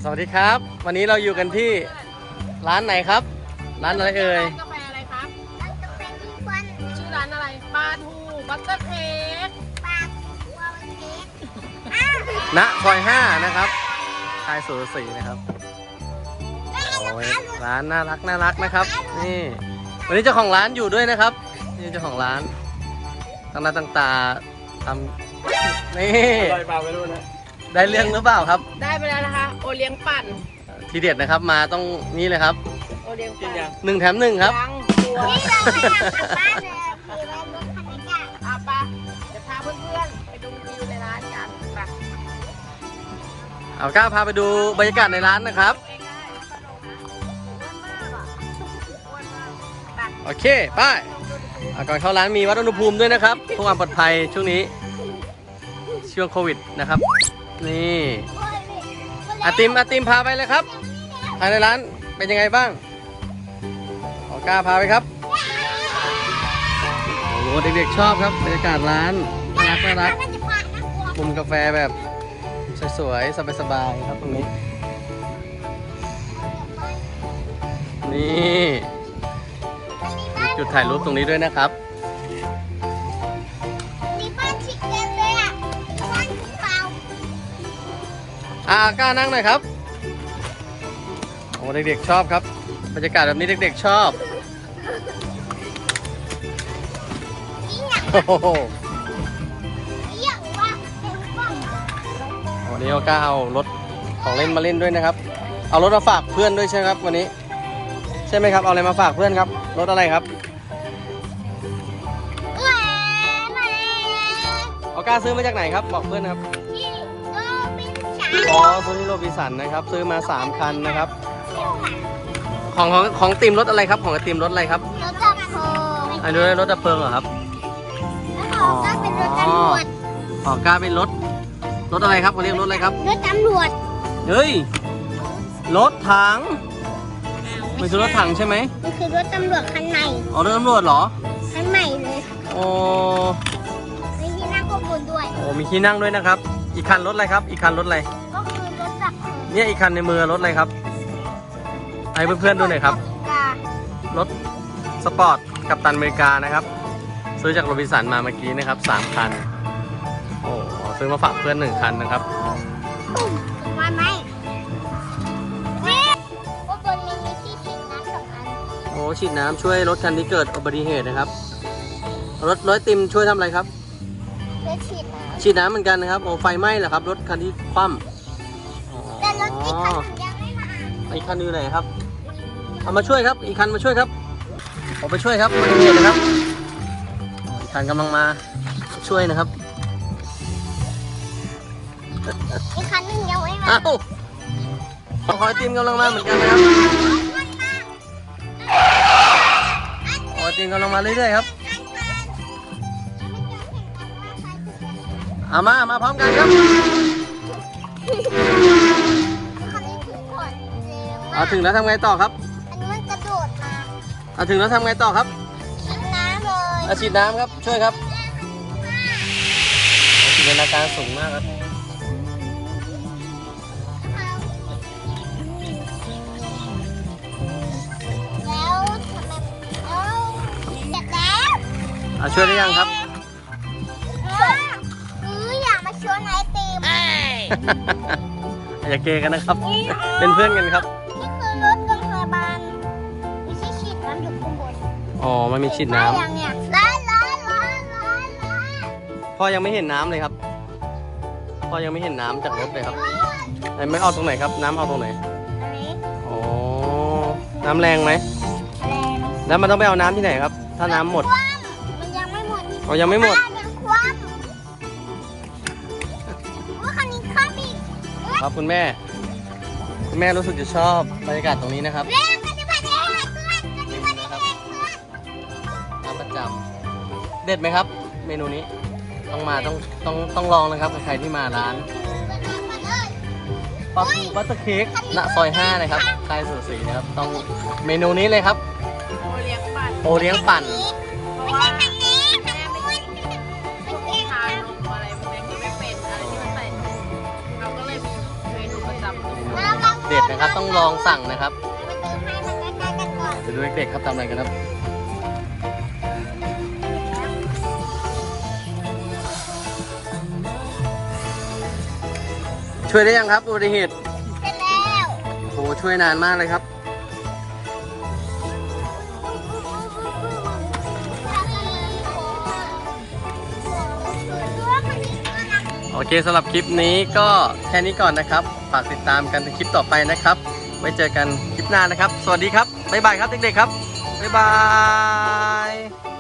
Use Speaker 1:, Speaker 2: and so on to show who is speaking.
Speaker 1: สวัสดีครับวันนี้เราอยู่กันที่ร้านไหนครับร้านอะไรเอ่ย
Speaker 2: ร้านกาแฟอะไรครับร้านกาแฟทุกวันชื่อร้านอะไรปลาทูบัตเตอร์เค้กปลาทูบัตเตอร์เค้ก
Speaker 1: ณซอย5นะครับชายสุรศรีนะครับโอ้ยร้านน่ารักนะครับนี่วันนี้เจ้าของร้านอยู่ด้วยนะครับนี่เจ้าของร้านตั้งหน้าตั้งตาทำนี่ได้เปล่าไม่รู้นะได้เรื่องหรือเปล่าครับ
Speaker 2: ได้ไปแล้วนะคะโอเลี้ยงปั่น
Speaker 1: ทีเด็ดนะครับมาต้องนี่เลยครับ
Speaker 2: โอเลี้ยงปั่น
Speaker 1: 1 แถม 1ครับ
Speaker 2: ยังตัวนี่เราไปทำกลับบ้านเลยมีไว้บนคันนี้จ้ะเอาปะเดี๋ยวพาเพื่อนๆไปดูวิวในร้านกันไป
Speaker 1: เอาก้าวพาไปดูบรรยากาศในร้านนะครับโอเคไปก่อนเข้าร้านมีวัดอุณหภูมิด้วยนะครับเพื่อความปลอดภัยช่วงนี้ช่วงโควิดนะครับนี่อาติมพาไปเลยครับภายในร้านเป็นยังไงบ้างก้าวพาไปครับโอ้โหเด็กๆชอบครับบรรยากาศร้านน่ารักมุมกาแฟแบบสวยๆสบายๆครับตรงนี้นี่จุดถ่ายรูปตรงนี้ด้วยนะครับ
Speaker 2: มีบ้านชิคเก้นเลยอ่ะบ้านเปล่
Speaker 1: ากล้านั่งหน่อยครับโอ้เด็กๆชอบครับบรรยากาศแบบนี้เด็กๆชอบโอ้โหวันนี้ก้าเอารถของเล่นมาเล่นด้วยนะครับเอารถมาฝากเพื่อนด้วยใช่ไหมครับวันนี้ใช่ไหมครับเอาอะไรมาฝากเพื่อนครับรถอะไรครับเอาก้าซื้อมาจากไหนครับบอกเพื่อนครับอ๋อซื้อที่โรบินสันนะครับซื้อมา3 คันนะครับของทีมรถอะไรครับของทีมรถอะไรครับ
Speaker 2: รถดับเพลิง
Speaker 1: อันนี้รถดับเพลิงเหรอครับ
Speaker 2: อ๋อก็เป็นรถตำรวจ
Speaker 1: อ๋อก้าเป็นรถอะไรครับเขาเรียกรถอะไรครับ
Speaker 2: รถตำรวจ
Speaker 1: เฮ้ยรถถังไม่ใช่รถถังใช่ไหม
Speaker 2: มันคือรถตำรวจคันใหม่
Speaker 1: อ๋อรถตำรวจเหรอ
Speaker 2: คันใหม่เลย
Speaker 1: โอ้
Speaker 2: มีที่นั่งก็บนด้วย
Speaker 1: โอ้มีที่นั่งด้วยนะครับอีกคันรถอะไรครับอีกคันรถอะไร
Speaker 2: ก็คือรถดับเพลิง
Speaker 1: เนี่ยอีกคันในมือรถอะไรครับให้เพื่อนๆดูหน่อยครับรถสปอร์ตกัปตันอเมริกานะครับซื้อจากโรบินสันมาเมื่อกี้นะครับ3 คันโอ้ซื้อมาฝากเพื่อน1 คันนะครับ
Speaker 2: มาไหมนี่ก็บนนี้มีที่ฉีดน้ำ2 อัน
Speaker 1: โอ้ฉีดน้ำช่วยรถคันที่เกิดอุบัติเหตุนะครับรถติมช่วยทำอะไรครับ
Speaker 2: รถฉีดน้ำ
Speaker 1: เหมือนกันนะครับโอ้ไฟไหม้เหรอครับรถคันที่คว่ำ
Speaker 2: แต่รถอีกคันยังไม่มา
Speaker 1: อีกคันอยู่ไหนครับเอามาช่วยครับอีกคันมาช่วยครับผมไปช่วยครับอุบัติเหตุนะครับอีกคันกำลังมาช่วยนะครับ
Speaker 2: อีกคันนึงยังไม่มา
Speaker 1: อ้าวขอทีมกำลังมาเหมือนกันนะครับขอทีมกำลังมาเรื่อยๆครับมาพร้อมกันครับถึงแล้วทำไงต่อครับ
Speaker 2: อันนี้มันกระโดดมา
Speaker 1: ถึงแล้วทำไงต่อครับ
Speaker 2: ฉีดน้ำเลย
Speaker 1: ฉีดน้ำครับช่วยครับจินตนาการสูงมากครับ
Speaker 2: แล้วทำไมเสร็จแล้ว
Speaker 1: ช่วยได้ยังครับ
Speaker 2: อยากมาชวนไอติม
Speaker 1: อย่าเกกันนะครับเป็นเพื่อนกันครับ
Speaker 2: นี่คือรถโรงพยาบาลมีที่ฉีดน้ำอยู่ข้างบน
Speaker 1: อ๋อมันมีฉีดน้ำ
Speaker 2: ยังเนี่ยร้อน
Speaker 1: พ่อยังไม่เห็นน้ำเลยครับพ่อยังไม่เห็นน้ำจากรถเลยครับไม่เอาตรงไหนครับน้ำเอาตรงไหน
Speaker 2: อันนี้
Speaker 1: อ๋อน้ำแรงไหม
Speaker 2: แรง
Speaker 1: แล้วมันต้องไปเอาน้ำที่ไหนครับถ้าน้ำหมด
Speaker 2: มันยังไม่หมด
Speaker 1: อ๋อยังไม่หมดครับคุณแม่รู้สึกจะชอบบรรยากาศตรงนี้นะครับร้านประจำเด็ดไหมครับเมนูนี้ต้องลองนะครับใครที่มาร้านปลาทูบัตเตอร์เค้กณซอย5นะครับใต้สุดสีนะครับต้องเมนูนี้เลยครับโอเลี้ยงปั่น
Speaker 2: เพราะว่าแม่ไม่ทานนมอะไรพวกนี้ไม่เป็นอะไรที่มันใส่เราก็เลยมีเมนูประจำ
Speaker 1: นะครับ ต้องลองสั่งนะครับ
Speaker 2: ให้มันใกล้ๆกันก่อน
Speaker 1: เดี๋ยวดูเด็กๆครับทำอะไรกันครับ ช่วยได้ยังครับอุบัติเหตุ
Speaker 2: เสร็จแล้ว
Speaker 1: โหช่วยนานมากเลยครับ โอเคสำหรับคลิปนี้ก็แค่นี้ก่อนนะครับ ฝากติดตามกันในคลิปต่อไปนะครับ ไว้เจอกันคลิปหน้านะครับ สวัสดีครับ บ๊ายบายครับเด็กๆครับ บ๊ายบาย